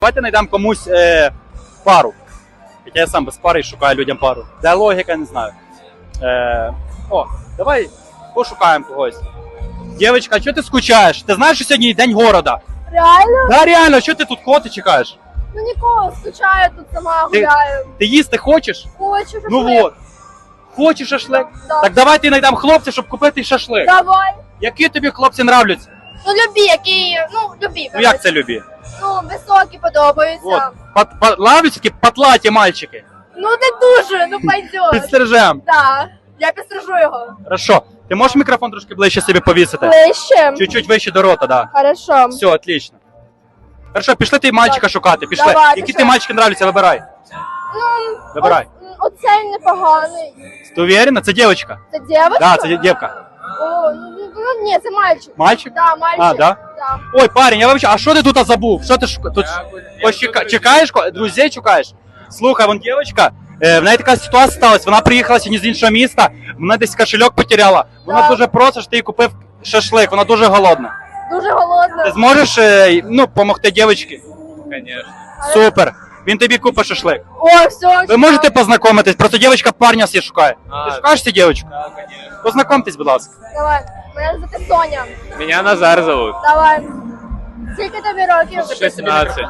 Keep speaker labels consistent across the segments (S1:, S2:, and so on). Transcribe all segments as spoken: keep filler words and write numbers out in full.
S1: Давайте знайдемо комусь е, пару. Хоча я сам без пари і шукаю людям пару. Де логіка, не знаю. Е, о, давай пошукаємо когось. Дівчинка, чого ти скучаєш? Ти знаєш, що сьогодні день города?
S2: Реально?
S1: Да, реально, що ти тут коти чекаєш?
S2: Ну нікого, скучаю тут сама гуляю.
S1: Ти їсти хочеш?
S2: Хочу шашлик.
S1: Ну от. Хочеш шашлик?
S2: Да.
S1: Так давайте знайдемо хлопця, щоб купити шашлик.
S2: Давай.
S1: Які тобі хлопці нравляться?
S2: Ну любі, які, ну любі.
S1: Ну як це любі?
S2: Ну високі подобаються.
S1: От. Пат, пат, нравляться такі патлаті мальчики.
S2: Ну не дуже, ну пойдет.
S1: Підстрижем.
S2: Да, я підстрижу його.
S1: Хорошо. Ти можеш мікрофон трошки ближче собі повісити?
S2: Ближче.
S1: Чуть-чуть вище до рота, да.
S2: Хорошо.
S1: Все, отлично. Хорошо, пішли ти мальчика шукати, пішли.
S2: Давай,
S1: Які
S2: пішли.
S1: ти мальчики нравляться, вибирай.
S2: Ну,
S1: Вибирай.
S2: о- оцей непоганий.
S1: Ти уверена? Це дівчинка?
S2: Це дівчинка?
S1: Да, це дівка.
S2: О, ну, ну ні, це мальчик.
S1: Мальчик?
S2: Да, мальчик.
S1: А, да?
S2: Да.
S1: Ой, парень, я вибачаю, а що ти тут забув? Що ти шукаєш? Тут пощека... чекаєш? ко- Друзей чекаєш? Слухай, вон дівчинка, е, в неї така ситуація сталася, вона приїхала сьогодні з іншого міста, вона десь кошельок потеряла. Вона
S2: Да.
S1: дуже просить, щоб ти їй купив шашлик, вона дуже голодна.
S2: Дуже голодна.
S1: Ти зможеш, е, ну, допомогти дівчинці?
S3: Конечно.
S1: Супер. Він тобі купить шашлик.
S2: О, все.
S1: Ви можете познайомитись? Просто дівчинка парня всі шукає.
S3: А,
S1: Ти шукаєш цю дівчинку?
S3: Да, конечно.
S1: Познайомтесь, будь ласка.
S2: Давай. Мене звати Соня.
S3: Меня Назар зовут.
S2: Давай. Скільки тобі років?
S3: шестнадцать.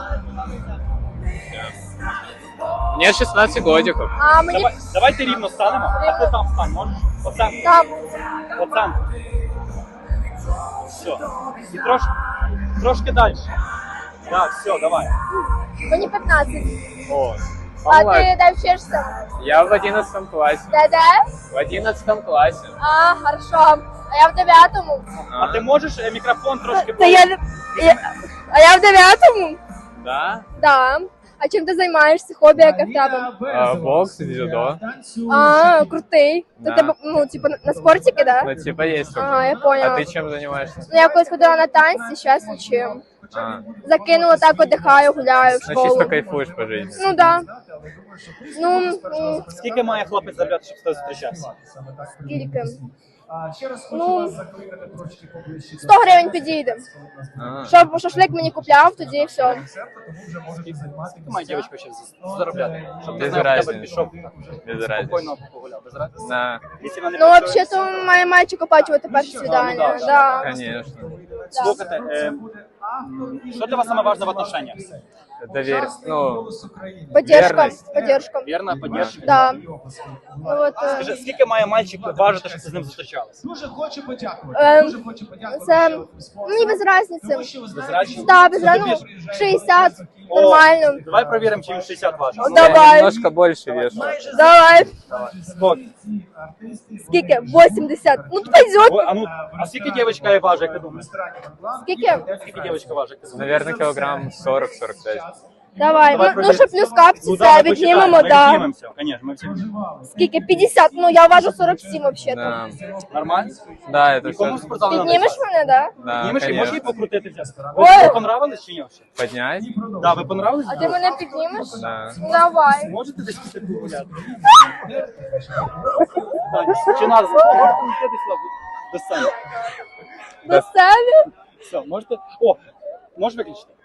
S3: Мне шестнадцать годиков.
S2: А мені
S1: Давай, давайте рівно станемо, а ти там стань, можеш? Оцем,
S2: там.
S1: оцем. Все. І трошки, трошки далі. Так, все, давай.
S2: Мені п'ятнадцять.
S1: О.
S2: А ти де вчишся?
S3: Я в одиннадцатом классе.
S2: Де де?
S3: В одиннадцатом классе.
S2: А, хорошо. А я в дев'ятому.
S1: А ти можеш е, мікрофон трошки...
S2: Та я, я... А я в дев'ятому?
S3: Да?
S2: Да. А чим ти займаєшся? Хобі яке в тебе?
S3: А, бокс, дзюдо.
S2: А, крутий. То
S3: Да.
S2: тебе, ну, типу, на- на спортики, да?
S3: Ну, типа есть такое.
S2: Ага, я поняла.
S3: А ты чем занимаешься?
S2: Ну, я колись ходила на танці, зараз нічим.
S3: А,
S2: Закинула так, отдихаю, гуляю в
S3: ну,
S2: школу.
S3: чисто кайфуешь по жизни.
S2: Ну, да. Ну, м,
S1: Скільки має хлопець заробляти, щоб з тобою зустрічався?
S2: скільки? Ну, сто гривень підійде.
S3: А,
S2: Щоб шашлик мені купляв, тоді все.
S1: Скільки має дівчинка ще заробляти? Щоб ти
S3: Без
S1: знав, в тебе
S3: разниці.
S1: пішов
S3: без разницы.
S1: спокійно погуляв, без разниці?
S3: Да,
S1: Якщо вона не
S2: Ну,
S1: працює-
S2: взагалі-то має мальчик оплачувати перше свідання.
S1: да,
S2: Да.
S3: конечно.
S1: Слухайте, е, м, що для вас саме важливе в отношениях?
S3: Доверь, ну,
S2: Поддержка,
S3: Верність.
S2: поддержка.
S1: Вірна, поддержка?
S2: Да. Ну, от, е,
S1: Скажи, скільки має мальчик важити, щоб ти з ним зустрічалась?
S4: Дуже хочу подякувати.
S2: Ем,
S4: Дуже хочу подякувати.
S2: це
S4: що ви спонсор.
S2: мені без разниці.
S4: Тому що ви
S1: Без
S4: знаєте,
S1: разниці?
S2: Да, без разниці. Ну, шістдесят, нормально.
S1: Давай перевіримо, чи він шістдесят важить.
S2: О, давай.
S3: немножко больше вешу.
S2: Давай.
S1: Скільки?
S2: Скільки? вісімдесят. Ну, пойдет.
S1: Ой, а ну, а скільки дівчинка важить, як ти думаєш?
S2: Скільки?
S1: Скільки дівчинка важить, як ти думаєш?
S3: Наверное, килограмм сорок сорок пять.
S2: Давай. Ну, ну що плюс капці,
S1: Ну, да,
S2: це
S1: ми
S2: віднімемо,
S1: посчитаємо, ми
S2: да.
S1: віднімемося, Конечно, ми всі.
S2: Скільки? п'ятдесят. Ну, я важу сорок сім, взагалі.
S3: Да.
S1: Нормально?
S3: Да, это
S1: Нікому в
S3: все.
S1: спортзал не
S2: Піднімеш
S1: надо.
S2: мене, да?
S3: Да,
S1: Піднімеш і можеш її
S3: конечно.
S1: покрутитися?
S2: Ой.
S1: Ви понравились чи ні? вообще?
S3: Поднять?
S1: Да, ви понравились?
S2: А ти мене піднімеш?
S3: Да.
S2: Ну, давай.
S1: Можете десь піти погуляти? Так, Чи нас? Можете десь до сцени?
S2: До себе?
S1: Все, можете? О, можеш виключити?